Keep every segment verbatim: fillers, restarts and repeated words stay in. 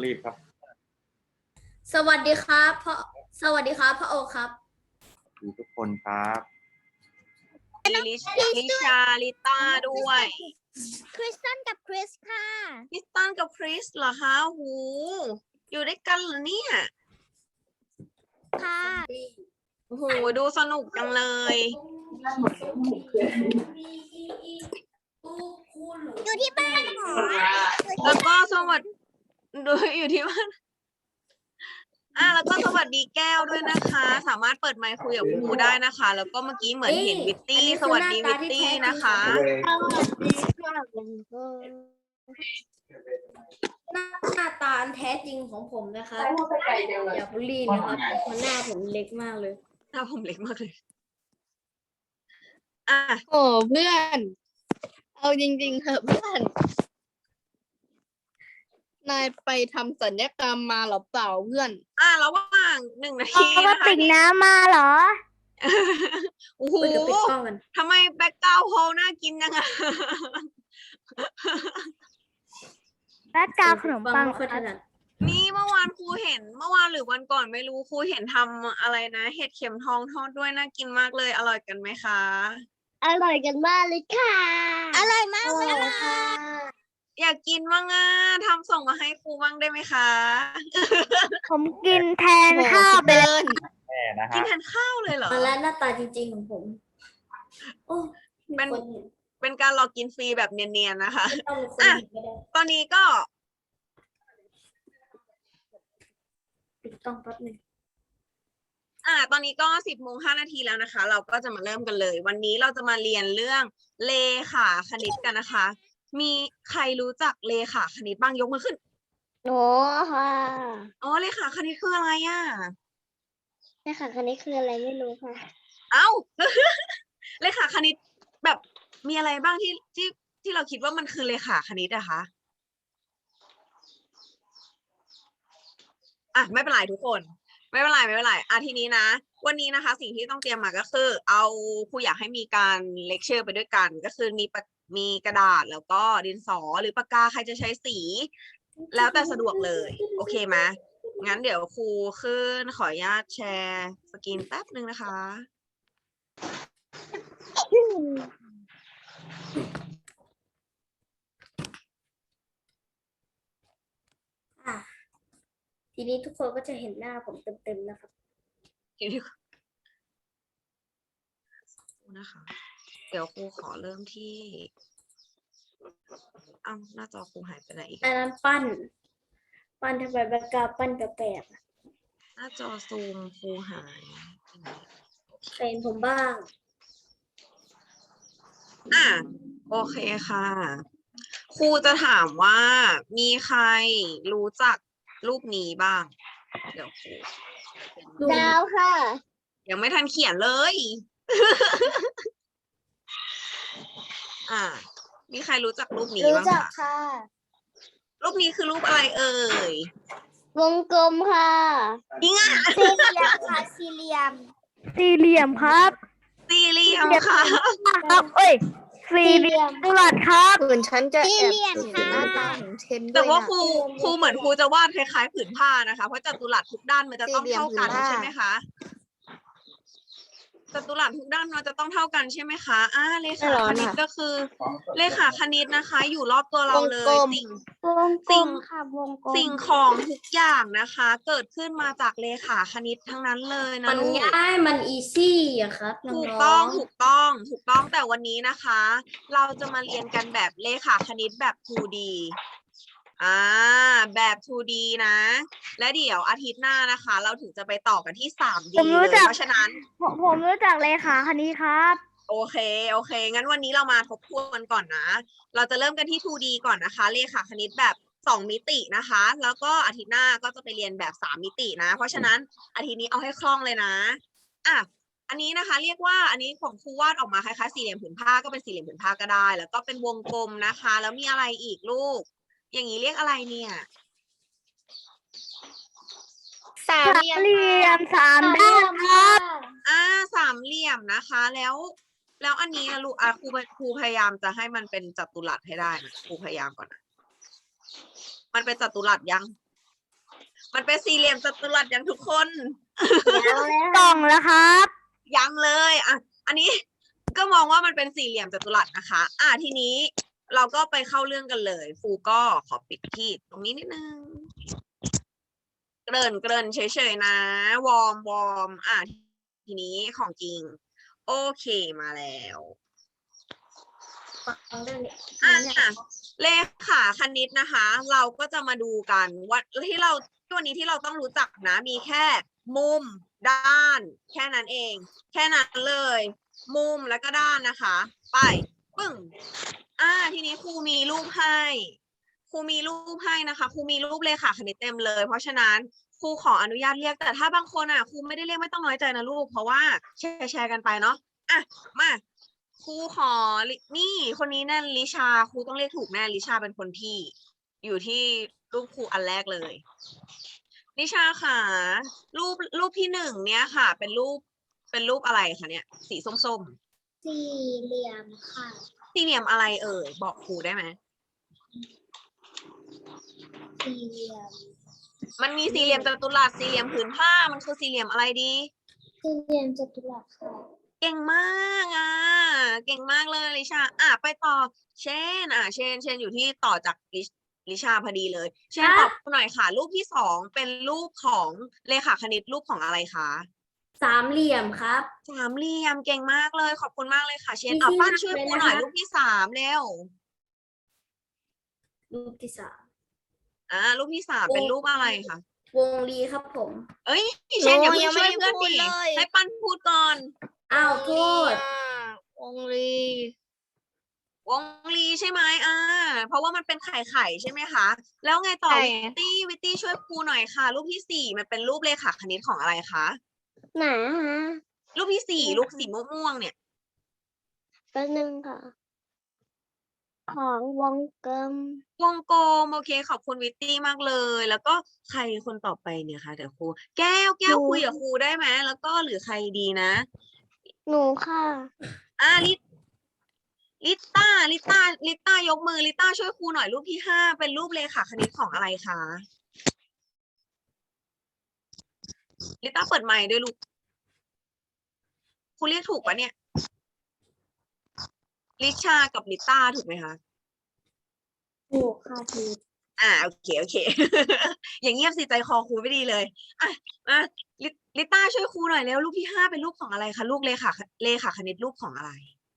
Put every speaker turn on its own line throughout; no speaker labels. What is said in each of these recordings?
รีบครับ
สวัสดีครับพ่อสวัสดีครับพ่อโอครับ
ดูทุกคนครับ
ลิลิลิชาลิต้าด้วย
คริสตันกับคริสค่ะ
คริสตันกับคริสเหรอคะหูอยู่ด้วยกันเหรอเนี่ย
ค่ะ
โอ้โหดูสนุกจังเลย
อยู่ที่บ้านเหรอ
แล้วก็สวัสดีดูอยู่ที่บ้านอ่ะแล้วก็สวัสดีแก้วด้วยนะคะ สามารถเปิดไมค์คุยกับครูได้นะคะ แล้วก็เมื่อกี้เหมือนเห็นวิตตี้สวัสดีวิตตี้นะคะ
หน้าตาอันแท้จริงของผมนะครับอย่าบูลลี่นะครับเพราะหน้าผมเล็กมากเลย
หน้าผมเล็กมากเลยอ่ะ
โอ้เพื่อน เอาจริงๆเถอะเพื่อน นายไปทำสัญญกรรมมาหรือเปล่าเพื่อน
อ่ะระหว่างหนึ่งนา
เอา
ที
กระ
นะคะ
ติกน้ำมาเหรอ
โอ้โห
เดี๋ยวปิดกล้องกัน
ทำไมแบ็กกราวด์โฮน่ากินจังอะ
แบ็คกราวด์ขนมปัง
ไม่ค่อยถนัด
นี่เมื่อวานครูเห็นเมื่อวานหรือวันก่อนไม่รู้ครูเห็นทำอะไรนะ เห็ดเข็มทองทอดด้วยน่ากินมากเลยอร่อยกันไหมคะ
อร่อยกันมากเลยค่ะ อร่อยมากเลยค่ะ
อยากกินบ้างอ่ะทำส่งมาให้ครูบ้างได้ไหมคะ
ผมกินแทนข้าวไปเลย
แม่นะ
กิน
ฮะ
แทนข้าวเลยเหรอ
มาแล้วหน้าตาจริง ๆ ของผม โอ้มี
เป็น
คนเห็น
เป็นการรอกินฟรีแบบเนียนๆนะคะ
ไม่ต้องมีคน
อ่ะ
เห็นก็ได้
ตอนนี้ก็
ปิดกล้องแป๊บหนึง
อ่า ตอนนี้ก็สิบโมงห้านาทีแล้วนะคะ เราก็จะมาเริ่มกันเลย วันนี้เราจะมาเรียนเรื่องเลขาคณิตกันนะคะ มีใครรู้จักเลขาคณิตบ้างยกมือขึ้น
โอ้ค่ะ
อ๋อเลขาคณิตคืออะไรอ่ะ
นี่ค่ะคันนี้คืออะไรไม่รู้ค่ะ
เอ้า เลขาคณิตแบบมีอะไรบ้างที่ที่ที่เราคิดว่ามันคือเลขาคณิตอะคะอ่ะไม่เป็นไรทุกคน ไม่เป็นไรไม่เป็นไรอ่ะทีนี้นะ วันนี้นะคะ สิ่งที่ต้องเตรียมมาก็คือ เอาครูอยากให้มีการเลคเชอร์ไปด้วยกัน ก็คือมีปากมีกระดาษแล้วก็ดินสอหรือปากกาใครจะใช้สี แล้วแต่สะดวกเลย โอเคไหมงั้นเดี๋ยวครูขึ้นขออนุญาตแชร์สกรีนแป๊บนึงนะคะ
อ่ะทีนี้ทุกคนก็จะเห็นหน้าผมเต็มๆนะครับ
เดี๋ยวนะคะ เดี๋ยวครูขอเริ่มที่อ้าวหน้าจอครูหายไปไหนอีก
อันนั้นปั้น ปั้นทำไมแบ็คกราวด์ปั้นแปลกๆอะ
หน้าจอซูมครูหายไปไหน
ใครเห็นผมบ้าง
อ่ะโอเคค่ะ ครูจะถามว่ามีใครรู้จักรูปนี้บ้าง เดี๋ยวครู
ดาวค่ะ
ยังไม่ทันเขียนเลย อ่า มีใครรู้จักรูปนี้
รู้
บ้าง
จัก
คะ
ค่ะ
รูปนี้คือรูปอะไรเอ่ย
วงกลมค่ะ
จริงอ่ะ
สี่เหลี่ยมค่ะสี่เหลี่ยม สี่เหลี่ยมครับ
สี่เหลี่ยมค่ะ
ครับเอ้ยสี่เหลี่ยมตลัดครับ
เหมือนฉันจะแอบ
สี่เหลี่ยม
เห็น
ค่ะ
หน้าตาของเทนด้
แต่
วย
ว่า
นะ
ครูครูเหมือนครูจะวาดคล้ายๆผืนผ้านะคะ เพราะจัตุรัสทุกด้านมันจะต้อง
สี่เหลี่ยม
เท่ากัน
ผืนผ้า
ใช่ไหมคะจัตุรัสทุกด้านมันจะต้องเท่ากันใช่ไหมคะอ่าเลขาคณิตก็คือ เลขาคณิตนะคะ อยู่รอบตัวเราเล
วงกล
ย
ม
สิ่ง
วงกล
สิ่ง
มค่ะวงกลม
สิ่งของทุกอย่างนะคะ เกิดขึ้นมาจากเลขาคณิตทั้งนั้นเลยนะ
มัน
ลูก
ง่ายมันอีซี่อะครับน้
ถูก
อ
ต้อง
ง
ถูกต้องถูกต้องแต่วันนี้นะคะ เราจะมาเรียนกันแบบเลขาคณิตแบบ ทู ดี อ่าแบบ ทู ดี นะ และเดี๋ยวอาทิตย์หน้านะคะ เราถึงจะไปต่อกันที่ ทรี ดี
ผมรู้
เลย
จัก
เพราะฉะนั้น
ผมผมรู้จักเลขาคันนี้ครับ
โอเคโอเค งั้นวันนี้เรามาทบทวนก่อนนะ เราจะเริ่มกันที่ ทู ดี ก่อนนะคะ เลขาคณิตแบบสองมิตินะคะ แล้วก็อาทิตย์หน้าก็จะไปเรียนแบบสามมิตินะ เพราะฉะนั้นอาทิตย์นี้เอาให้คล่องเลยนะอ่ะอันนี้นะคะ เรียกว่าอันนี้ของครูวาดออกมาคล้ายๆสี่เหลี่ยมผืนผ้าก็เป็นสี่เหลี่ยมผืนผ้าก็ได้ แล้วก็เป็นวงกลมนะคะ แล้วมีอะไรอีกลูก อย่างนี้เรียกอะไรเนี่ย
สามเหลี่ยม
เหลี่ยมสามด้านครับ
อ่าสามเหลี่ยมนะคะ แล้ว แล้วอันนี้นะลูกอ่ะครูครูพยายามจะให้มันเป็นจัตุรัสให้ได้นะครูพยายามก่อนนะมันเป็นจัตุรัสยังมันเป็นสี่เหลี่ยมจัตุรัสอย่างทุกคน
กล่องแล้วครับ
ยังเลยอ่ะอันนี้ก็มองว่ามันเป็นสี่เหลี่ยมจัตุรัสนะคะ อ่ะทีนี้เราก็ไปเข้าเรื่องกันเลยครูก็ขอปิดที่ตรงนี้นิดนึงเกริ่นเกริ่นเฉยๆนะวอร์มวอร์มอ่ะทีนี้ของจริงโอเคมาแล้ว
ฟังเรื่องนี้
อ่ะเลขาคณิตนะคะ เราก็จะมาดูกันว่าที่เราวันนี้ที่เราต้องรู้จักนะ มีแค่มุมด้าน แค่นั้นเอง แค่นั้นเลย มุมแล้วก็ด้านนะคะ ไปปึ้งอ่าทีนี้ครูมีรูปให้ครูมีรูปให้นะคะครูมีรูปเลขาคณิตเต็มเลย เพราะฉะนั้นครูขออนุญาตเรียกแต่ถ้าบางคนอ่ะครูไม่ได้เรียกไม่ต้องน้อยใจนะลูกเพราะว่าแชร์แชร์กันไปเนาะอ่ะมาครูขอนี่คนนี้แน่ลิชาครูต้องเรียกถูกแน่ลิชาเป็นคนที่อยู่ที่รูปครูอันแรกเลยลิชาค่ะรูปรูปที่หนึ่งเนี้ยค่ะ เป็นรูปเป็นรูปอะไรคะเนี่ยสีส้ม
สี่เหลี่ยมค่ะ
ๆสี่เหลี่ยมอะไรเอ่ยบอกครูได้ไหม
สี่เหลี่ยม
มันมีสี่เหลี่ยมจัตุรัสสี่เหลี่ยมผืนผ้ามันคือสี่เหลี่ยมอะไรดี
สี่เหลี่ยมจัตุรัสค่ะ
เก่งมากอ่ะเก่งมากเลยลิชาอ่ะไปต่อเช่นอ่ะเช่นเช่นอยู่ที่ต่อจากลิลิชาพอดีเลย เช่นตอบหน่อยค่ะ รูปที่สองเป็นรูปของเลขาคณิตรูปของอะไรคะ
สามเหลี่ยมครับ
สามเหลี่ยมเก่งมากเลยขอบคุณมากเลยค่ะ เช่น
มี
เอา
ที่
ปั้น
นับ
ช่วย
เลย
ครูหน่อย
นะคะ
รูปที่สามเร็ว
รูปที่สาม
อ่ารูปที่สามเป็นรูปอะไรคะ
วงรีครับผม
เอ้ยเช่นอย่า
โอ้
เพิ่
ยัง งไม่
ช่วย
ได้
เพื่อน
พูด
ดิ
เลย
ให้ปั้นพูดก่อน
อ้าวโทษ
องลี
วงลีใช่ไหมอ่า เพราะว่ามันเป็นไข่ไข่ใช่ไหมคะ แล้วไงต่อวิตตี้วิตตี้ช่วยครูหน่อยค่ะ รูปที่สี่มันเป็นรูปเลขาคณิตของอะไรคะ
ไหนฮะ
รูปที่สี่รูปสีม่วงๆเนี่ย
แป๊บนึงค่ะ ของวงกลม
วงกลมโอเคขอบคุณวิตตี้มากเลย แล้วก็ใครคนต่อไปเนี่ยคะเดี๋ยวครูแก้วแก้วคุยกับครูได้ไหมแล้วก็หรือใครดีนะ
หนูค่ะ
อ่าลิลิต้าลิต้าลิต้ายกมือลิต้าช่วยครูหน่อยรูปที่ห้าเป็นรูปเลขาคณิตของอะไรคะลิต้าเปิดไมค์ด้วยลูกครูเรียกถูกปะเนี่ยลิชากับลิต้าถูกไหมคะ
ถูกค่ะถูก
อ่าโอเคโอเค อย่างเงียบสิใจคอครูไม่ดีเลยอ่ะมาลิลิต้าช่วยครูหน่อยแล้วรูปที่ห้าเป็นรูปของอะไรคะลูกเลขาเลขาคณิตรูปของอะไร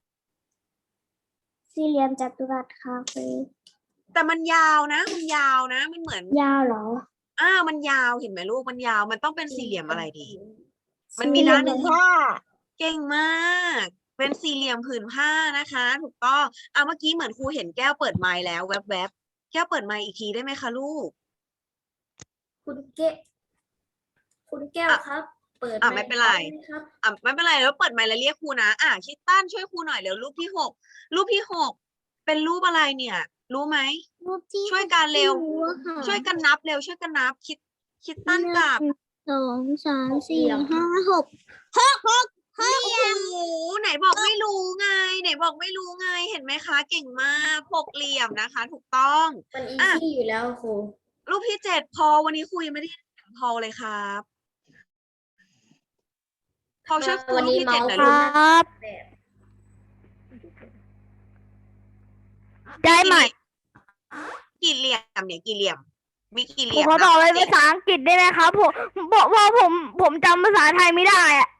สี่เหลี่ยมจัตุรัสค่ะครู
แต่มันยาวนะ มันยาวนะ มันเหมือน
ยาวเหรอ
อ่ามันยาวเห็นไหมลูกมันยาวมันต้องเป็นสี่เหลี่ยมอะไรดี มันมีด้านหนึ่ง
สี่เหลี่ยมผ้า
เก่งมาก เป็นสี่เหลี่ยมผืนผ้านะคะ ถูกต้องอ่ะเมื่อกี้เหมือนครูเห็นแก้วเปิดไมค์แล้วแวบๆแก้วเปิดไมค์อีกทีได้ไหมคะลูก
คุณเก้คุณแก้ว
อ่ะ
ครับ เปิด
อ่ะ
ค์
ไม่เป็นไร
ด้หมครับ
อ่ะไม่เป็นไรแล้วเปิดไมค์แล้วเรียกครูนะอ่ะคิดตั้นช่วยครูหน่อยเร็วรูปที่หกรูปที่หกเป็นรูปอะไรเนี่ย รู้ไหม
รูปที่
ช่วยกันเร็ว
ไม่อะค่ะ
ช่วยกันนับเร็วช่วยกันนับ คิดคิดตั้นกับ
สองสาม
หกเหลี่
สี่
ยม
ห้าหกหกหกหก
โอ้โหไหนบอกไม่รู้ไง ไหนบอกไม่รู้ไงเห็นไหมคะ เก่งมากหกเหลี่ยมนะคะ ถูกต้อง
มันอี
อ่ะ
ซี่อยู่แล้วครู
รูปที่เจ็ดพอวันนี้ครูยังไม่ได้เห็นพอเลยครับพอช่วยครู
วัน
รูป
นี้
ที่
เมา
เจ็ด
ส์
หน่อย
ค
ลู
รู
ก
ครับ
แบบ
ได้ไหม
กี่เหลี่ยมเนี่ยกี่เหลี่ยม มีกี่เห
ผม
ลี่ยม
ขอตอบ
นะ
เป็นภาษาอังกฤษได้ไหมครับผมบอกว่าผมผมจำภาษาไทยไม่ได้อะ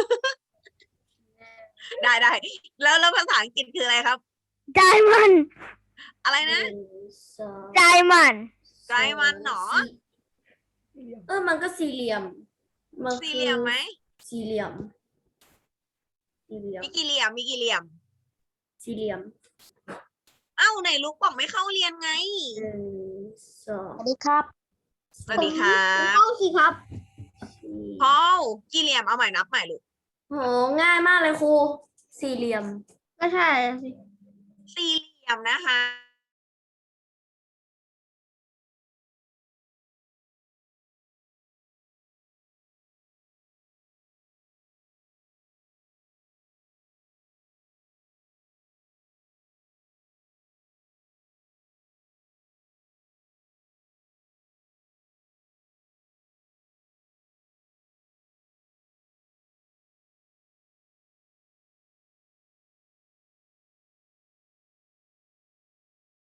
ได้ได้แล้วแล้วภาษาอังกฤษคืออะไรครับ
ใจมัน
อะไร
ห
นะ
นึ่งสอง
ใจมัน
ใจมันเหรอ
สี่เออมันก็สี่เหลี่ยมมัน
สี่เหลี่ยมไหม
สี่เหลี่ยม สี่เหลี่ยม
มีกี่เหลี่ยมมีกี่เหลี่ยม
สี่เหลี่ยม
เอ้าไหนลูกบอกไม่เข้าเรียนไง
หนึ่งสอง
สวัสดีครับ
สวัสดีครับ
เข้าสิครับ
สี่
พอลกี่เหลี่ยมเอาใหม่นับใหม่ลูก
โหง่ายมากเลยครู สี่เหลี่ยม
ก็ใช่สิ
สี่เหลี่ยมนะคะ